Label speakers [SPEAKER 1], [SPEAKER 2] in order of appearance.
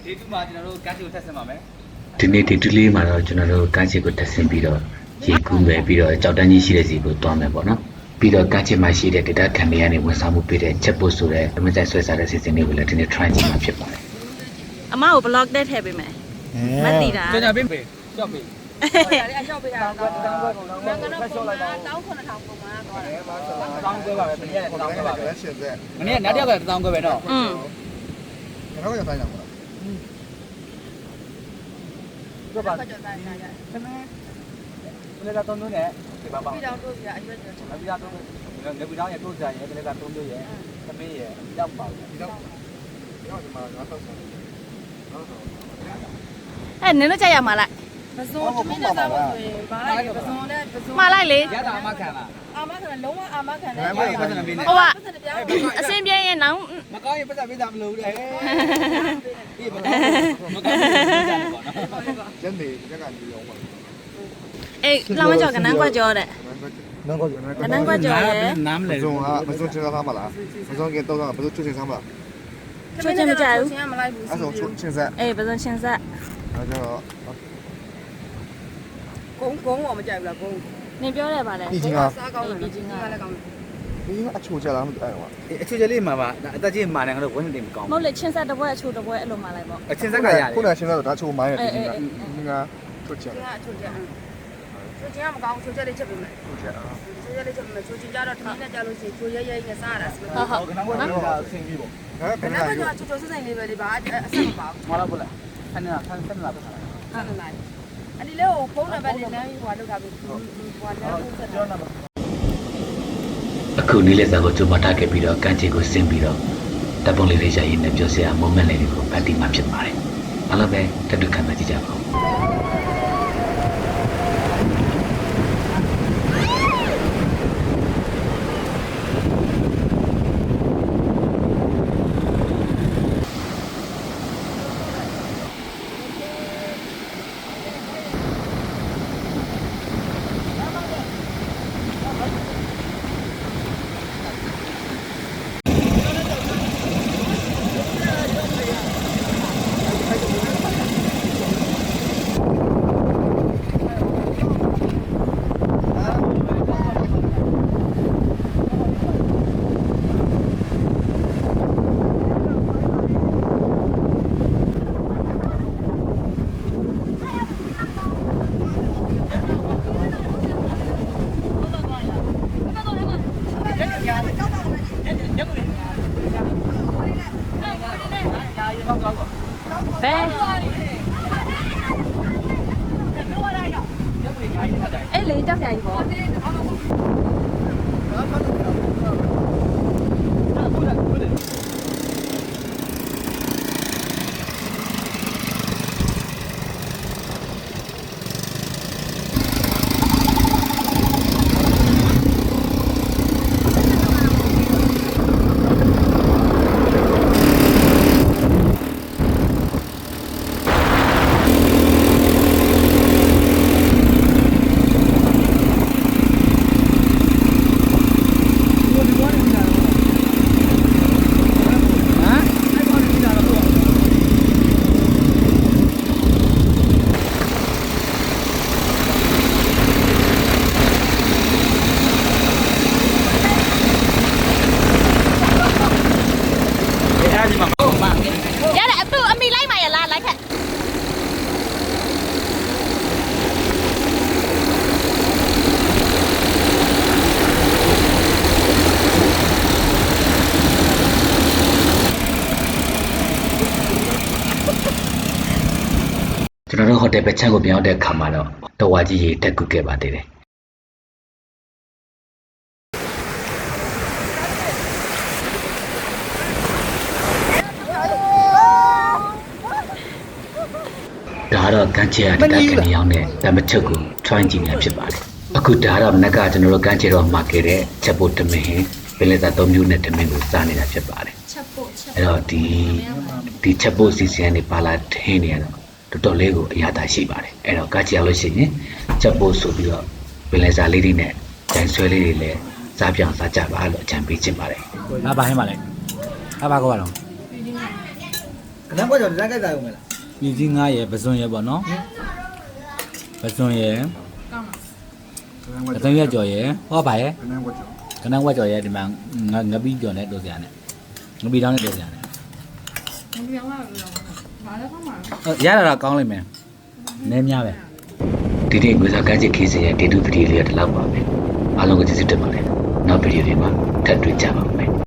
[SPEAKER 1] ဒေတူမှာကျွန်တော်တို့ကန်းချီကိုထပ်ဆင်ပါမယ်
[SPEAKER 2] ဒီနေ့ဒီတူလေးမှာတော့ကျွန်တော်တို့ကန်းချီကိုတက်ဆင်ပြီးတော့ရေကူးမယ်ပြီးတော့ကြောက်တန်းကြီးရှိတဲ့စီကိုတွားမယ်ပေါ့နော်ပြီးတော့ကန်းချီမှာရှိတဲ့ဒေတာခံတွေကနေဝန်ဆောင်မှုပေးတဲ့ချက်ပို့ဆိုတဲ့အမကျဆွဲစားတဲ့စီစဉ်လေးကိုလည်းဒီနေ့ try ကြည့်မှာဖြစ်ပါတယ်
[SPEAKER 3] အမကို blog တက်ထည့်ပေးမယ်မသိတာ
[SPEAKER 1] ကျွန်တော်ပေးပေးကြောက်ပေး
[SPEAKER 4] အဲ့ကြောက်ပေးတာတော့တောင်းကတော့တောင်း9,000ပုံမှန်သွားတယ်
[SPEAKER 1] တောင်းခွဲပါပဲမနေ့ကတောင်းခွဲပါပဲ
[SPEAKER 5] ရှင်းသက်
[SPEAKER 1] မနေ့ကနောက်တစ်ယောက်ကတောင်းခွဲပဲတော့
[SPEAKER 5] ကျွန်တော်ကတိုင်းတာမလား
[SPEAKER 1] ကြောက်ပါ
[SPEAKER 4] ကြောက်တိုင်းရရ
[SPEAKER 1] သမီးဘယ်ကတောင်းလို့လဲဒီပါပါ
[SPEAKER 4] ပြီးတော့တို့ပြအရွက်ကျော်ချင်
[SPEAKER 1] နောက်ပြီးတော့နေပြီးတော့ရတိုးစားရဲဘယ်ကတောင်းလို့ရဲသမီးရဲရောက်ပါဘူး
[SPEAKER 5] ဒီတော့ဒီမှာငါတော့ဆောင်း
[SPEAKER 3] အဲ့နင်တို့ကြိုက်ရမှာလား
[SPEAKER 4] ပဇွန်သမီးနဲ့စားဖို့ဆိုရင်ဘာလဲပဇွန်နဲ့ပဇွန်
[SPEAKER 3] မှားလိုက်လေ
[SPEAKER 1] ရတာအမခံလား
[SPEAKER 4] အာမခံလုံးဝအာမခံတယ်
[SPEAKER 1] မပတ်စံပေးနေ
[SPEAKER 3] ဟိုကအစင်ပြင်းရင်နောင်
[SPEAKER 1] မကောင်းရင်ပတ်စံပေးတာမလို့လေဒီမကောင်းမကောင်းဘူးကြာတယ်ပေါ့နော်
[SPEAKER 5] ကျန်နေရက်ကလူရောပါ
[SPEAKER 3] အေးလောင်းမကြောက်ကနန်းကွက်ကြောတဲ့
[SPEAKER 5] နောက်တော့
[SPEAKER 3] ကနန်းကွက်ကြောရဲ့
[SPEAKER 1] နားမလဲ
[SPEAKER 5] မစုံဟာမစုံချင်းစားမလားမစုံကတော့မစုံချင်းစားမလား
[SPEAKER 3] ချိုးချင်းမကြဘူး
[SPEAKER 4] ချင်းမလိုက်ဘူး
[SPEAKER 5] အဲ့ဆိုချင်းစား
[SPEAKER 3] အေးပစုံချင်းဆက်
[SPEAKER 5] အဲ့တော့
[SPEAKER 4] ကုန်းတော့မကြိုက်ဘူးလားကုန်း
[SPEAKER 3] နင်ပြောတယ်ဗါလဲ
[SPEAKER 5] ဒီချင်းက
[SPEAKER 4] စားကောင်းတယ်ဒီချင်းကလည်းကောင်းတယ်
[SPEAKER 5] ဒီကအချိုကြလားမသိအဲ့တော့
[SPEAKER 1] အချွေချလေးမှာပါအသက်ကြီးမာနေကတော့ဝင်းနေမကောင်း
[SPEAKER 3] မဟုတ်လေချင်းဆက်တစ်ပွဲအချိုးတစ်ပွဲအဲ့လိုမှလိုက်ပေါ့
[SPEAKER 1] အချင်းဆက်ကရတယ်
[SPEAKER 5] ခုနကချင်းစားတော့ဒါချိုမိုင်းရဒီကဒီကချိုချင်
[SPEAKER 4] ချင်းကအချိုချက်ချင်းကမကောင်းချိုချက်လေးချက်ပေးမယ်
[SPEAKER 5] ချိုချင်
[SPEAKER 4] ချိုချက်လေးချက်ပေးမယ်ချိုချင်းကြတော့ထမင်းနဲ့ကြလို့ရှိရင်ချိုရဲရဲနဲ့စားရတာဆို
[SPEAKER 3] ဟုတ်ဟုတ်
[SPEAKER 1] ခဏကတော့ဆင်းပြီးပေါ့
[SPEAKER 5] ဟဲ့ဘယ်
[SPEAKER 4] နော
[SPEAKER 5] နဲ့
[SPEAKER 4] က်က
[SPEAKER 5] ရော
[SPEAKER 4] ချိုချိုစစ်စိမ်လေးပဲလေပါအဆက်မပါဘူး
[SPEAKER 1] မလာဘူးလားဆန်းနေတာဆန်းလာပါ
[SPEAKER 4] ဆက်နေလိုက်အဲ့ဒီလေးကိုဖုန်းနံပါတ်နဲ့လမ်းဟိုလောက်ထားပြီးဟိုလမ်းကိုဆက်တော့
[SPEAKER 2] အခုနေ့လက်စားကိုကြိုးမထားခဲ့ပြီးတော့ကန်းချီကိုဆင်းပြီးတော့တပ်ပုံလေးလေးရရင်လည်းပြောစရာ moment လေးတွေကိုဖတ်တိမှဖြစ်ပါတယ်အားလုံးပဲတက်တူခံစားကြည့်ကြပါဦး
[SPEAKER 3] ဘယ်အဲ့လေတောက်ဆိုင်ပေါ့
[SPEAKER 1] အဲဒီမှာဟုတ်ပါ
[SPEAKER 3] ရတယ်သူအမိလိုက်မှရလားလိုက်ခက်
[SPEAKER 2] ကျွန်တော်တို့ဟိုတယ်ပဲချမ်းကိုပြောင်းတဲ့အခါမှာတော့တော်ဝါကြီးရေတက်ကူခဲ့ပါသေးတယ်ဒါတော့ကန်းချေရတက်ကနေရောက်တဲ့တမချုပ်ကို try ကြည့်နေဖြစ်ပါတယ်အခုဒါတော့မနက်ကကျွန်တော်တို့ကန်းချေတော့မှာခဲ့တဲ့ချက်ဖို့တမင်ဟင်းပင်လယ်စာ3မျိုးနဲ့တမင်ကိုစားနေတာဖြစ်ပါတယ်အဲ့တော့ဒီချက်ဖို့စီစဉ်နေပါလာထင်းနေရတော့တော်တော်လေးကိုအရသာရှိပါတယ်အဲ့တော့ကန်းချေရလို့ရှိရင်ချက်ဖို့ဆိုပြီးတော့ပင်လယ်စာလေးတွေနဲ့ဂျန်ဆွဲလေးတွေလည်းစားပြောင်စားကြပါလို့အကြံပေးချင်ပါတယ်
[SPEAKER 1] ငါဘာဟင်းပါလဲငါဘာကောပါတော့
[SPEAKER 4] က
[SPEAKER 1] လမ်းကွက်ကြော်လမ်းကြိုက်တာရုံပဲလား
[SPEAKER 6] ပြည်ကြီး9ရယ်ပစွန်ရယ်ပေါ့နော်ပစွန်ရယ်အသုံးရကြော်ရယ်ဟောပါရယ်ကနန်းဝက်ကြော်ရယ်ဒီမှာငပီးကြော်နဲ့တိုးစရာနဲ့ငပီးတောင်းနဲ့တိုးစရာနဲ့ရတာတော့ကောင်းလိမ့်မယ်နည်းများပဲ
[SPEAKER 2] ဒီနေ့ငွေစာကမ်းခြေခီးစဉ်ရဲ့ဒေတုပတိလေးကဒီလောက်ပါပဲအားလုံးကိုကျေးဇူးတင်ပါတယ်နောက်ဗီဒီယိုတွေမှာထပ်တွေ့ကြပါမယ်